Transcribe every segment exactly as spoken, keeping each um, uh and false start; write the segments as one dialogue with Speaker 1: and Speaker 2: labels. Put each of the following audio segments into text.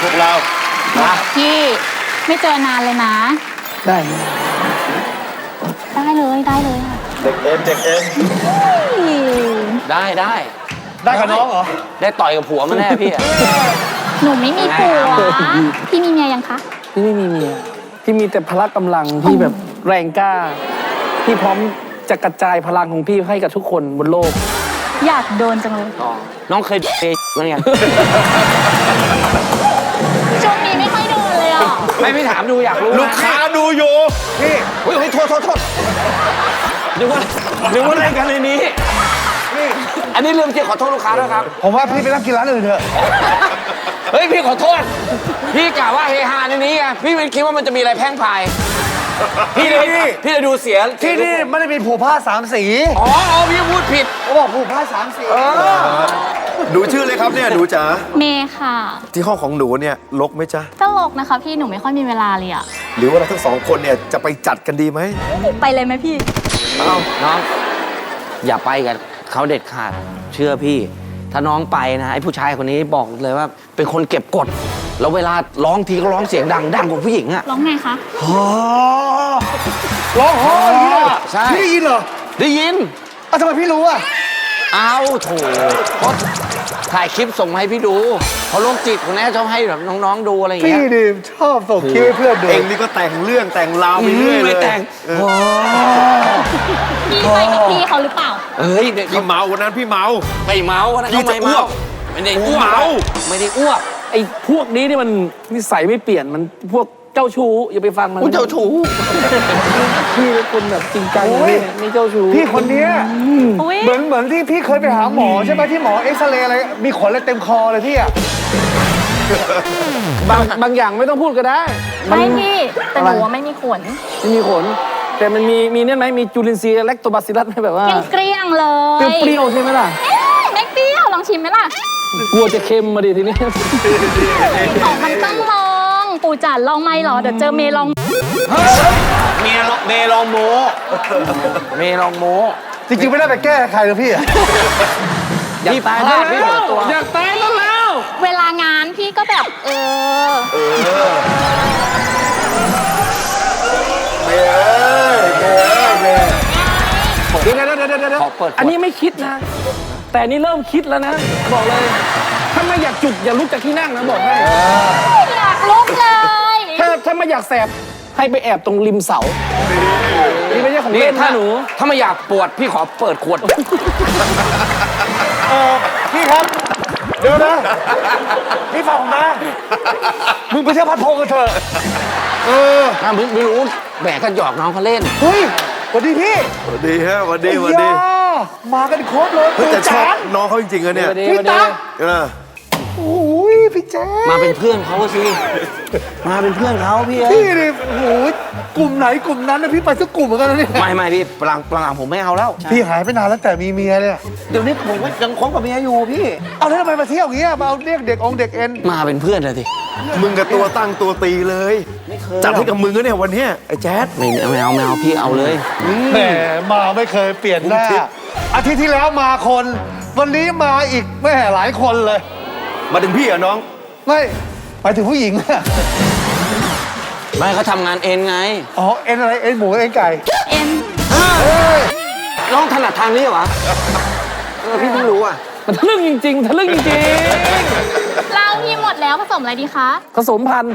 Speaker 1: พวกเรา
Speaker 2: พี่ไม่เจอนานเลยนะ
Speaker 3: ได้
Speaker 2: ได้เลยได้เลยค่ะ
Speaker 1: เด็กเอ็นเด็กเอ็น
Speaker 4: ได้ได้
Speaker 1: ได้กับน้องเหรอ
Speaker 4: ได้ต่อยกับผัวมาแน่พี่อะ
Speaker 2: หนูไม่มีผัวพี่มีเมียยังคะ
Speaker 3: พี่ไม่มีเมียพี่มีแต่พละกำลังพี่แบบแรงกล้าพี่พร้อมจะกระจายพลังของพี่ให้กับทุกคนบนโลก
Speaker 2: อยากโดนจังเลย
Speaker 4: น้องเคยเดทมั้ยยัง
Speaker 2: ช่วงนี้ไม่ค่อยโดนเลยอ่ะ
Speaker 4: ไม่ไม่ถามดูอยากรู้
Speaker 1: ลูกค้าดูอยู่พี่
Speaker 4: เฮ้ยโทษโทษโทษนึกว่านึกว่าเล่นกันในนี้นี่อันนี้เรื่องจริงขอโทษลูกค้าด้วยครับ
Speaker 1: ผมว่าพี่ไปนั่งกินร้านอื่นเถอะ
Speaker 4: เฮ้ยพี่ขอโทษพี่กะว่าเฮฮาในนี้ไงพี่ไม่คิดว่ามันจะมีอะไรแพร่งพรายพี่เลยพี่เลยดูเสีย
Speaker 1: ที่นี่ไม่ได้มีผูกผ้าสามสี
Speaker 4: อ๋ออ๋อพี่พูดผิด
Speaker 1: เขาบอกผูกผ้าสามสี
Speaker 5: หนูชื่อเลยครับเนี่ยหนูจ๋า
Speaker 2: เมย์ค่ะ
Speaker 5: ที่ห้องของหนูเนี่ยรกไหมจ๊ะ
Speaker 2: ก็รกนะคะพี่หนูไม่ค่อยมีเวลาเลยอะ
Speaker 5: หรือว่าเราทั้งสองคนเนี่ยจะไปจัดกันดีไหม
Speaker 2: ไปเลยไหมพี่
Speaker 4: เอ้าน้องอย่าไปกันเขาเด็ดขาดเชื่อพี่ถ้าน้องไปนะไอ้ผู้ชายคนนี้บอกเลยว่าเป็นคนเก็บกดแล้วเวลาร้องทีก็ร้องเสียงดังดังกว่าผู้หญิงอะ
Speaker 2: ร้องไงคะ
Speaker 1: ร้องโฮ่อย่างนี้เหรอ
Speaker 4: ใช่
Speaker 1: พี่ได้ยินเหรอ
Speaker 4: ได้ยิน
Speaker 1: อ้าวทำไมพี่รู้อะ
Speaker 4: อ้าวโถก็ถ่ายคลิปส่งมาให้พี่ดูเขาโรคจิตคนนี้ชอบให้แบบน้องๆดูอะไรอย่างเงี้ย
Speaker 1: พี่ดิชอบส่งคลิปให้เพื่อนดู
Speaker 5: เองนี่ก็แต่งเรื่องแต่งราวไปเรื่อยเลย
Speaker 4: แต่ง
Speaker 2: พี่ไปกับพี่เขาหรือเปล่า
Speaker 4: เอ้ย
Speaker 5: พี่เมาวันนั้นพี่เมา
Speaker 4: ไม่เมาวันนั้นเขาไม่เมาไม่ได้อ้วกไม่ได้อ้วก
Speaker 3: ไอ้พวกนี้นี่มันนิสัยไม่เปลี่ยนมันพวกเจ้าชู้อย่าไปฟังมัน
Speaker 4: เจ้าชู้
Speaker 3: พี่เป็นคนแบบจริงจังไม่เจ้าชู้
Speaker 1: พี่คนนี้เหมือนเหมือนที่พี่เคยไปหาหมอใช่ไหมที่หมอเอ็กซเรย์อะไรมีขนอะไรเต็มคอเลยพี่อะ
Speaker 3: บางบางอย่างไม่ต้องพูดก็ได้
Speaker 2: ไม่พี่แต่หนูว่าไม่มีขน
Speaker 3: ไม่มีขนแต่มันมีมีเนี่ยไหมมีจุลินทรีย์แลคโตบาซิลลัสไหมแบบว่า
Speaker 2: เกลี้ยงเลย
Speaker 3: เปรี้ยวใช่ไหมล่ะ
Speaker 2: ไม่เปรี้ยวลองชิมไหมล่ะ
Speaker 3: กลัวจะเค็มมาดิทีนี้
Speaker 2: ของมันต้องลองปู่จ๋าลองไหมหรอเดี๋ยวเจอเมย์ลอง
Speaker 4: เมย์ลองเมย์ลองโมเมย์ลองโม
Speaker 1: จริงๆไม่ได้ไปแก้ใครเลยพี่
Speaker 3: อยากตายแล้วพี่หัวตัวอยากตายแล้วแล้ว
Speaker 2: เวลางานพี่ก็แบบเออเออ
Speaker 5: เมย์เมย์เมย์
Speaker 3: เดี๋ยวเดี๋ยวเดี๋ยวเดี๋ยวอันนี้ไม่คิดนะแต่นี่เริ่มคิดแล้วนะบอกเลยถ้าไม่อยากจุกอย่าลุกจากที่นั่งนะบอกให้
Speaker 2: อยากลุกเลย
Speaker 3: ถ้าถ้าไม่อยากแสบให้ไปแอบตรงริมเสานี่ไม่ใช่ของเล่นนะหนู
Speaker 4: ถ้าไม่อยากปวดพี่ขอเปิดขวด
Speaker 1: เออพี่ครับเดี๋ยวนะพี่ฟังผมนะมึงไปเที่ยวพัดพงกันเถอะ
Speaker 4: เออถ้ามึงไม่รู้แบกกันหยอกน้องเขาเล่น
Speaker 1: เฮ้ยสวัสดีพี่
Speaker 5: สวัสดีฮะสวัสดีสวัสดี
Speaker 1: มากันครบเลย
Speaker 5: แต่ชอบน้องเขาจริงๆอะเนี่ย
Speaker 1: พี่ตั๊ก
Speaker 5: โอ้
Speaker 1: ยพี่แจ๊ค
Speaker 4: มาเป็นเพื่อนเขาสิมาเป็นเพื่อนเขาพี่
Speaker 1: พี่นี่โอ้ยกลุ่มไหนกลุ่มนั้นนะพี่ไปสักกลุ่มเหมือนกันนะนี่
Speaker 4: ไม่ไม่พี่ปลังปลังผมไม่เอาแล้ว
Speaker 1: พี่หายไปนานแล้วแต่มีเมียเนี่ย
Speaker 4: เดี๋ยวนี้ผมก็ยังคบกับเมียอยู่พี่
Speaker 1: เอาแล้วทำไมมาเที่ยวอย่างเงี้ยมาเอาเรียกเด็กองเด็กเอ็น
Speaker 4: มาเป็นเพื่อนเลยสิ
Speaker 5: มึงกับตัวตั้งตัวตีเลยจัดให้กับมึงก็เนี่ยวันนี้ไอ้แจ๊ด
Speaker 4: ไม่ไม่เอาไม่เอาพี่เอาเลย
Speaker 1: แหมมาไม่เคยเปลี่ยนหน้าอาทิตย์ที่แล้วมาคนวันนี้มาอีกแม่หลายคนเลย
Speaker 5: มาถึงพี่เหรอน้อง
Speaker 1: ไม่ไปถึงผู้หญิง
Speaker 4: ไม่เขาทำงานเอ็นไง
Speaker 1: อ๋อเอ็นอะไรเอ็นหมูเอ็นไก่
Speaker 2: เอ็น
Speaker 4: น้องถนัดทางนี้เหรอเออพี่เพิ่งรู้อ่ะ
Speaker 3: มันทะลึ่งจริงๆทะลึ่งจริง
Speaker 2: ๆเราพี่หมดแล้วผสมอะไรดีคะ
Speaker 3: ผสมพันธุ์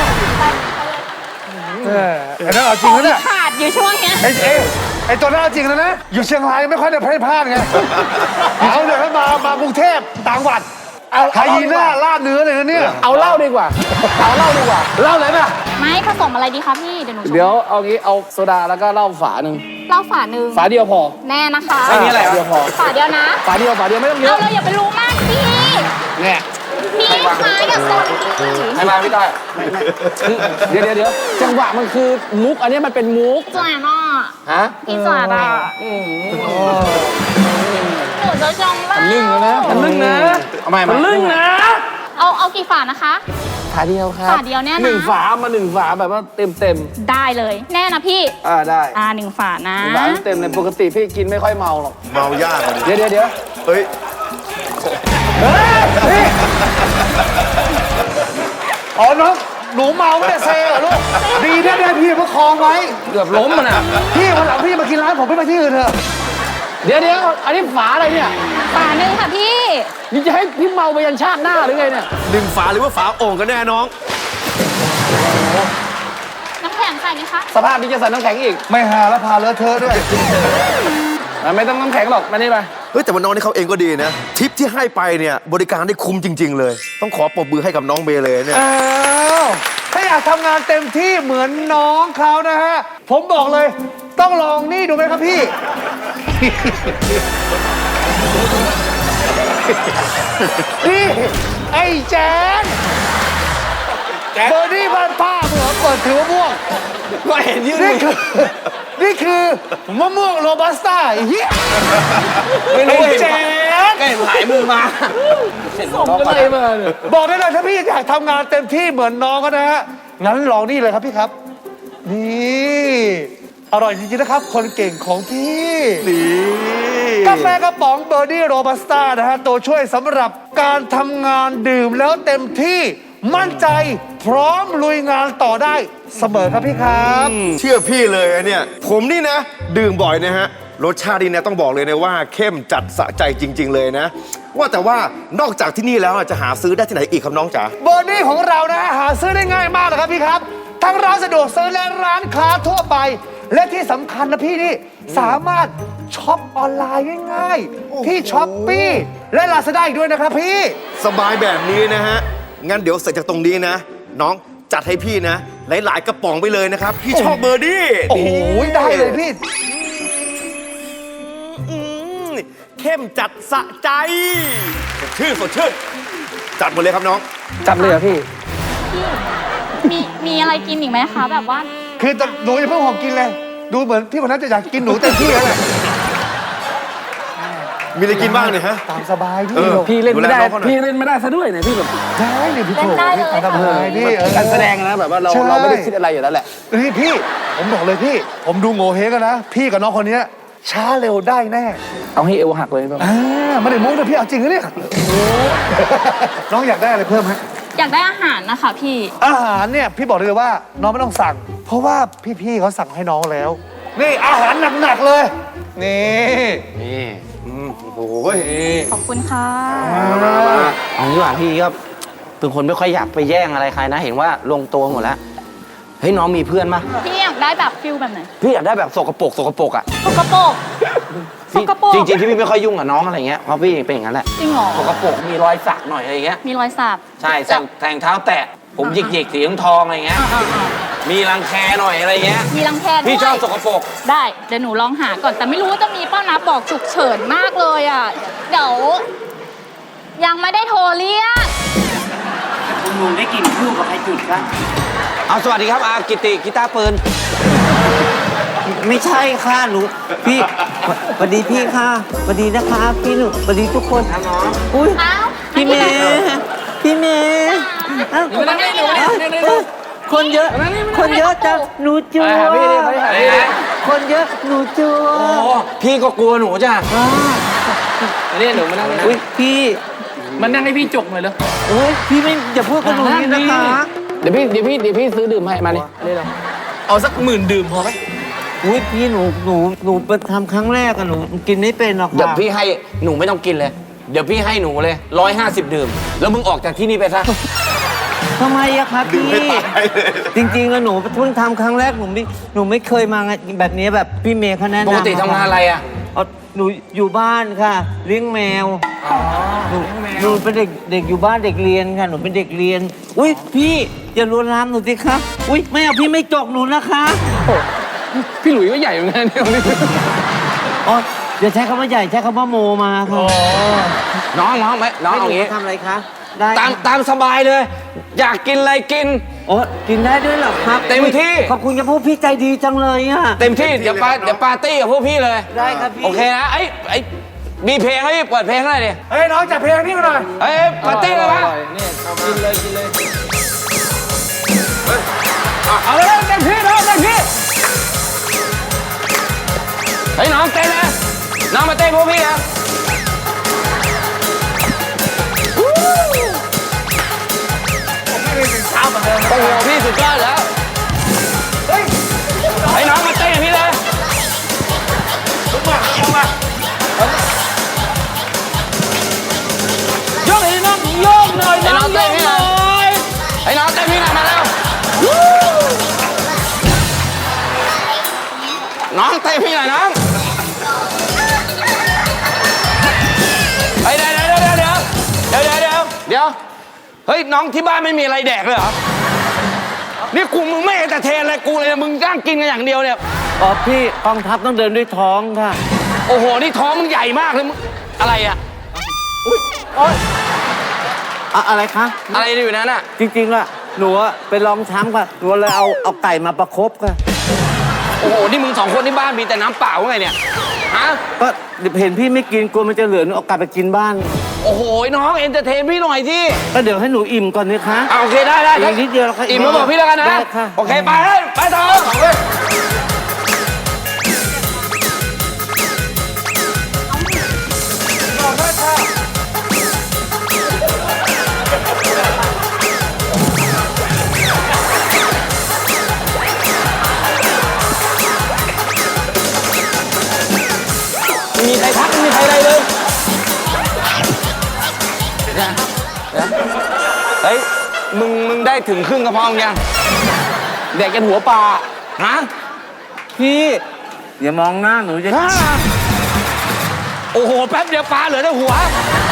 Speaker 1: เออไอ้นั่นเอาจริงนะเนี่ย
Speaker 2: ขาดอยู่ช่วงเนี้ย
Speaker 1: ไอ้ไอ้ไอ้ตัวนั้นเอาจริงนะนะอยู่เชียงรายไม่ค่อยได้พลาดไงเอาเดี๋ยวให้มามากรุงเทพต่างจังหวัดเอาไฮยีน่าล่าเนื้อเลยนะเนี่ย
Speaker 3: เอาเหล้าดีกว่าเอาเหล้าดีกว่า
Speaker 1: เหล้าอะไรป่ะ
Speaker 2: ไม่ผสมอะไรดีคะพี่เดี๋ยวหนู
Speaker 3: เดี๋ยวเอางี้เอาโซดาแล้วก็เหล้าฝาหนึ่ง
Speaker 2: เหล้าฝาหนึ่ง
Speaker 3: ฝาเดียวพอ
Speaker 2: แน่นะคะ
Speaker 3: ไม่มีอะไรเดียวพอ
Speaker 2: ฝาเดียวนะ
Speaker 3: ฝาเดียวฝาเดียวไม่ต้องเยอะ
Speaker 2: เอาเลยอย่าไปรู้มากพี่
Speaker 3: เนี่ย
Speaker 2: พี่คะอย่าสน
Speaker 4: ให้มาพี่ต้อย
Speaker 3: เดี๋ยวเดี๋ยวเดี๋ยวจังหวะมันคือมุกอันนี้มันเป็นมุก
Speaker 2: สวยมาก
Speaker 3: ฮะ
Speaker 2: พี่สวยอ่ะหนูจะจองล่า
Speaker 3: มันลึ่งแล้วนะมันลึ่งนะ
Speaker 4: เอาใหม่
Speaker 3: มันลึ่งนะ
Speaker 2: เอาเอากี่ฝานะคะ
Speaker 3: ฝาเดียวครับ
Speaker 2: ฝาเดียวแน่นะ
Speaker 3: หนึ่งฝามาหนึ่งฝาแบบว่าเต็มเต็ม
Speaker 2: ได้เลยแน่นะพี่
Speaker 3: อ่าได้
Speaker 2: อ่าหนึ่งฝานะ
Speaker 3: ฝาเต็มเลยปกติพี่กินไม่ค่อยเมาหรอก
Speaker 5: เมายาก
Speaker 3: เดี๋ยวเดี๋ยวเดี๋ยว
Speaker 5: เฮ้ย
Speaker 1: เฮ้ยอ๋อน้องหนูเมาไม่ได้เซ่เหรอลูกดีนะเนี่ยพี่ประคองไว้
Speaker 3: เกือบล้มมันอ่ะ
Speaker 1: พี่วันหลังพี่มากินร้านผมไม่ไปที่อื่นเถอะ
Speaker 3: เดี๋ยวเดี๋ยวอันนี้ฝาอะไรเนี่ย
Speaker 2: ฝาหนึ่งค่ะพี่
Speaker 3: นี่จะให้พี่เมาไปยันชาติหน้าหรือไงเนี่ย
Speaker 5: หนึ่งฝาหรือว่าฝาโอ่งกันแน่น้อง
Speaker 2: น้ำแข็งใส่ไหมคะ
Speaker 3: สภาพนี้จะใส่น้ำแข็งอีก
Speaker 1: ไม่หาแล้วพาเลอะเทอะด้วย
Speaker 3: ไม่ต้องน้ำแข็งหรอกมานี่ไป
Speaker 5: เฮ้ยแต่ว่าน้องนี่เขาเองก็ดีนะ ทิปที่ให้ไปเนี่ยบริการได้คุ้มจริง ๆ เลย ต้องขอปรบมือให้กับน้องเบย์เลยเนี่ย
Speaker 1: อ้าวถ้าอยากทำงานเต็มที่เหมือนน้องเขานะฮะ ผมบอกเลย ต้องลองนี่ดูไหมครับพี่ นี่ไอ้แจ๊นเบอร์ดี้บ้านป้าเหมือนเปิดถือว่าม่วง
Speaker 3: ก็เห็นยืน
Speaker 1: นี่คือ นี่คือมะม่วงโรบัสต้าไอ้เหี้ย
Speaker 3: ไม่รู้
Speaker 1: ไอ้
Speaker 3: เห็น
Speaker 1: แจ๊น
Speaker 3: ก็เห็นหายมือมาส่งกันเลยมาเนี่ย
Speaker 1: บอกได้เลยถ้าพี่อยากทำงานเต็มที่เหมือนน้องก็นะฮะ งั้นลองนี่เลยครับพี่ครับ นี่ อร่อยจริงๆนะครับ คนเก่งของพี่
Speaker 5: นี่
Speaker 1: กาแฟกระป๋องเบอร์ดี้โรบัสต้านะฮะ ตัวช่วยสำหรับการทำงานดื่มแล้วเต็มที่มั่นใจพร้อมลุยงานต่อได้เสมอครับพี่ครับ
Speaker 5: เชื่อพี่เลยอันเนี่ย ผมนี่นะ ดื่มบ่อยนะฮะ รสชาตินี่นะต้องบอกเลยนะว่าเข้มจัดสะใจจริง ๆ เลยนะ ว่าแต่ว่านอกจากที่นี่แล้วอ่ะจะหาซื้อได้ที่ไหนอีกครับน้องจ๋า
Speaker 1: เบอร์ดี้ของเรานะฮะหาซื้อได้ง่ายมากเลยครับพี่ครับ ทั้งร้านสะดวกซื้อและร้านค้าทั่วไป และที่สำคัญนะพี่นี่สามารถช็อปออนไลน์ง่ายๆที่ช้อปปี้และลาซาด้าอีกด้วยนะครับพี่
Speaker 5: สบายแบบนี้นะฮะ งั้นเดี๋ยวเสร็จจากตรงนี้นะ น้องจัดให้พี่นะ หลาย ๆ กระป๋องไปเลยนะครับ พี่ชอบเบอร์ดี้
Speaker 1: โอ้โหได้เลยพี่
Speaker 5: อืมเข้มจัดสะใจสดชื่นสดชื่นจัดหมดเลยครับน้อง
Speaker 3: จับเลยเหรอพี่
Speaker 2: มีมีอะไรกินอีกไหมคะ แบบว่า
Speaker 1: คือแต่หนูอย่าเพิ่งหอมกินเลย ดูเหมือนพี่คนนั้นจะอยากกินหนูเต็มที่แล้วแหละ
Speaker 5: มีอะไรกินบ้างเนี่ยฮะ
Speaker 1: ตามสบายพี่
Speaker 5: เออ
Speaker 3: พี่เล่นไม่ได้
Speaker 5: ดูแลน้องเขาหน่อย
Speaker 3: พี่เล่นไม่ได้ซะด้วยเนี่ยพี่แบบ
Speaker 1: ได้เลยพี่โถ
Speaker 2: เล่นได้เลย
Speaker 1: ตามสบายพี่เออ
Speaker 3: การแสดงนะแบบว่าเรา
Speaker 1: ใช่
Speaker 3: เราไม่ได้คิดอะไรอยู่แล้วแหละ
Speaker 1: นี่พี่ ผมบอกเลยพี่ ผมดูโง่เฮงกันนะ พี่กับน้องคนเนี้ยช้าเร็วได้แน่
Speaker 3: เอาให้เอวหักเลยแบบ
Speaker 1: อ่าไม่ได้มุ้งแต่พี่เอาจริงนะเนี่ยน้องอยากได้อะไรเพิ่มไหม
Speaker 2: อยากได้อาหารนะคะพี่
Speaker 1: อาหารเนี่ยพี่บอกเลยว่าน้องไม่ต้องสั่ง เพราะว่าพี่ๆเขาสั่งให้น้องแล้ว นี่อาหารหนักๆเลย นี่
Speaker 4: นี่
Speaker 5: โอ้ย
Speaker 2: ขอบคุณค่ะ
Speaker 4: เอางี้ดีกว่าพี่ก็เป็นคนไม่ค่อยอยากไปแย่งอะไรใครนะ เห็นว่าลงตัวหมดแล้ว เฮ้ยน้องมีเพื่อนปะ
Speaker 2: พี่อยากได้แบบฟิลแบบไหน
Speaker 4: พี่อยากได้แบบสกปรกสกปรกอ่ะ
Speaker 2: สกปรกสกปรก
Speaker 4: จริงๆที่พี่ไม่ค่อยยุ่งกับน้องอะไรเงี้ย เพราะพี่เป็นอย่างนั้นแหละ
Speaker 2: จริงเหรอ
Speaker 4: สกปรกมีรอยสักหน่อยอะไรเงี้ย
Speaker 2: มีรอยสัก
Speaker 4: ใช่แต่งแต่งเท้าแตะ ผมหยิกๆสีทองๆอะไรเงี้ย
Speaker 2: อ่าอ่า
Speaker 4: มีรังแคหน่อยอะไรเงี้ย
Speaker 2: มีรังแคด้วย
Speaker 4: พี่ชอบสกปรก
Speaker 2: ได้ เดี๋ยวหนูลองหาก่อน แต่ไม่รู้ว่าจะมีเป้านะบอกฉุกเฉินมากเลยอ่ะ เดี๋ยว ยังไม่ได้โทรเรียก
Speaker 6: หนูได้กลิ่นคู่กับใครจุดครับ
Speaker 4: เอาสวัสดีครับอากิติกีตาร์ปืน
Speaker 6: ไม่ใช่ค่ะหนูพี่สวัสดีพี่ค่ะสวัสดีนะคะพี่หนูสวัสดีทุกคน
Speaker 4: ครับน้อง
Speaker 6: อุ้ย
Speaker 2: อ้าว
Speaker 6: พี่เมย์พี่เมย์อ้าว
Speaker 3: มานั่งนี่หนูมานั่งนี่
Speaker 6: คนเยอะ คนเยอะจังหนูจัว
Speaker 3: ไปหาพี่ดิไปหาพี่ดิ
Speaker 6: คนเยอะหนูจัว
Speaker 4: โอ้พี่ก็กลัวหนูจ้ะ
Speaker 6: อ่า
Speaker 3: นี่หนูมานั่งนี่
Speaker 6: อุ้ยพี่
Speaker 3: มันนั่งให้พี่จกหน่อยเลย
Speaker 6: โอ้ยพี่ไม่อย่าพูดกับหนูนี่นะคะ
Speaker 3: เดี๋ยวพี่เดี๋ยวพี่เดี๋ยวพี่ซื้อดื่มให้มานี่นี่เราเอาสักหมื่นดื่มพอไหม
Speaker 6: อุ้ยพี่หนูหนูหนูไปทำครั้งแรกอะหนูกินไม่เป็นหรอกค่ะ
Speaker 4: เดี๋ยวพี่ให้หนูไม่ต้องกินเลย เดี๋ยวพี่ให้หนูเลยร้อยห้าสิบดื่ม แล้วมึงออกจากที่นี่ไปซะ
Speaker 6: ทำไมอะครับ
Speaker 5: ดื่ม
Speaker 6: พี่
Speaker 5: ไม่ตายเลย
Speaker 6: จริงๆอะหนูเพิ่งทำครั้งแรกหนูไม่หนูไม่เคยมางานแบบนี้แบบพี่เมย์เขาแนะนำ
Speaker 4: ปกติทำงานอะไรอ่ะ
Speaker 6: เอาหนูอยู่บ้านค่ะเลี้ยงแมวหนูหนูเป็นเด็กเด็กอยู่บ้านเด็กเรียนค่ะหนูเป็นเด็กเรียน อุ้ยพี่อย่าลวนลามหนูสิคะอุ้ยไม่เอาพี่ไม่จกหนูนะคะ
Speaker 3: พี่หลุยก็ใหญ่เหมือนกันเนี่ยวันนี้
Speaker 6: อ๋ออย่าใช้คำว่าใหญ่ใช้คำว่าโมมาค่ะ
Speaker 4: น้องน้องไหมน้องเอาอย่างงี้
Speaker 6: ทำอะไรคะได้
Speaker 4: ตามตามสบายเลย อยากกินอะไรกิน
Speaker 6: โอ้กินได้ด้วยเหรอครับ
Speaker 4: เต็มที่
Speaker 6: ขอบคุณครับพวกพี่ใจดีจังเลยอะ
Speaker 4: เต็มที่เดี๋ยวปาเดี๋ยวปาร์ตี้กับพวกพี่เลย
Speaker 6: ได้ครับพี่
Speaker 4: โอเคนะไอ้ไอ้มีเพลงให้พี่เปิดเพลงให้หน่อยดิ
Speaker 1: เฮ้ยน้องจัดเพลงนี่มาหน่อย
Speaker 4: เอ้ยปาร์ตี้เลยวะ
Speaker 3: นี่กินเลยกินเลยเอาเลยเต็มที่น้องเต็มที่เฮ้ยน้องเต้นนะน้องมาเต้นพวกพี่นะ
Speaker 1: ผมไม่ได้ถึงเช้า
Speaker 4: สุดยอดแล้วไอ้น้องมาเต้นอย่างนี้เลยลุกมาลุกมายกให้น้องโยกหน่อยน้องเต้นพี่หน่อยไอ้น้องเต้นพี่หน่อยมาแล้วน้องเต้นพี่หน่อยน้องเฮ้ยเดี๋ยวเดี๋ยวเดี๋ยวเดี๋ยวเดี๋ยวเดี๋ยวเดี๋ยวเดี๋ยวเฮ้ยน้องที่บ้านไม่มีอะไรแดกเลยเหรอนี่กูมึงไม่เอนเตอร์เทนอะไรกูเลยมึงก้างกินกันอย่างเดียวเนี่ย
Speaker 6: อ๋อพี่กองทัพต้องเดินด้วยท้องค่ะ
Speaker 4: โอ้โหนี่ท้องมึงใหญ่มากเลยมึงอะไรอะ
Speaker 6: อะอะไรคะ
Speaker 4: อะไรอยู่นั่นอะ
Speaker 6: จริงๆล่ะหนูอะไปลองช้ำค่ะหนูเลยเอาเอาไก่มาประคบค่ะ
Speaker 4: โอ้โหนี่มึงสองคนที่บ้านมีแต่น้ำเปล่าไงเนี่ยฮะ
Speaker 6: ก็เห็นพี่ไม่กินกลัวมันจะเหลือหนูเอากลับไปกินบ้าน
Speaker 4: โอ้โหน้องเอนเตอร์เทนพี่หน่อยที่
Speaker 6: ก็เดี๋ยวให้หนูอิ่มก่อนนะคะ
Speaker 4: โอเคได้ได้
Speaker 6: อีกนิดเดียวแล้วค่ะ
Speaker 4: อิ่มแล้วบอกพี่แล้วกันนะ
Speaker 6: ได้ค่ะ
Speaker 4: โอเคไปเลยไปต่อไม่มีใครทักไม่มีใครอะไรเลยนะนะเฮ้ย มึง มึงได้ถึงครึ่งกระเพาะยังแดกกันหัวปลาฮะ
Speaker 6: พี่อย่ามองหน้าหนูจะ
Speaker 4: โอ้โห แป๊บเดียวปลาเหลือแต่หัว